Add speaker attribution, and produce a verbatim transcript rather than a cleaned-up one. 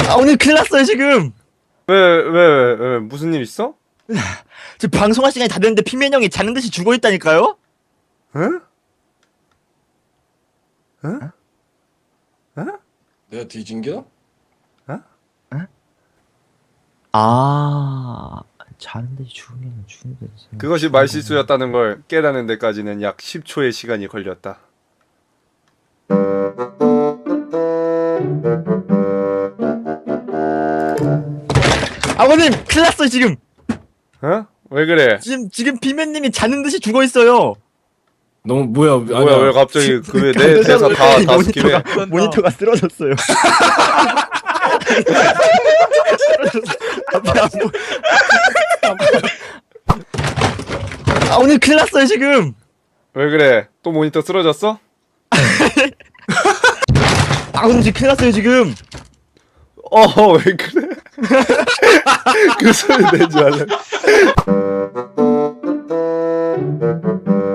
Speaker 1: 아 오늘 큰일 났어요 지금.
Speaker 2: 왜, 왜, 왜, 왜, 무슨 일 있어?
Speaker 1: 지금 방송할 시간이 다 됐는데 피맨 형이 자는 듯이 죽어 있다니까요?
Speaker 2: 응? 응?
Speaker 3: 내가 뒤진겨?
Speaker 1: 아 자는 듯이 죽으면 죽는 듯이.
Speaker 2: 그것이 말실수였다는 걸 깨닫는 데까지는 약 십 초의 시간이 걸렸다.
Speaker 1: 아버님 큰일 났어요 지금.
Speaker 2: 어? 왜 그래?
Speaker 1: 지금 지금 피맨님이 자는 듯이 죽어 있어요.
Speaker 3: 너무 뭐야?
Speaker 2: 뭐야, 왜 갑자기 그 왜 내 대사 다, 다 스킵해?
Speaker 1: 모니터가, 모니터가 쓰러졌어요. 앞에 안 보- 아 오늘 큰일 났어요 지금.
Speaker 2: 왜 그래? 또 모니터 쓰러졌어?
Speaker 1: 아 오늘 지금 큰일 났어요 지금.
Speaker 2: 어, 왜 그래? 그 소리 내지 말래.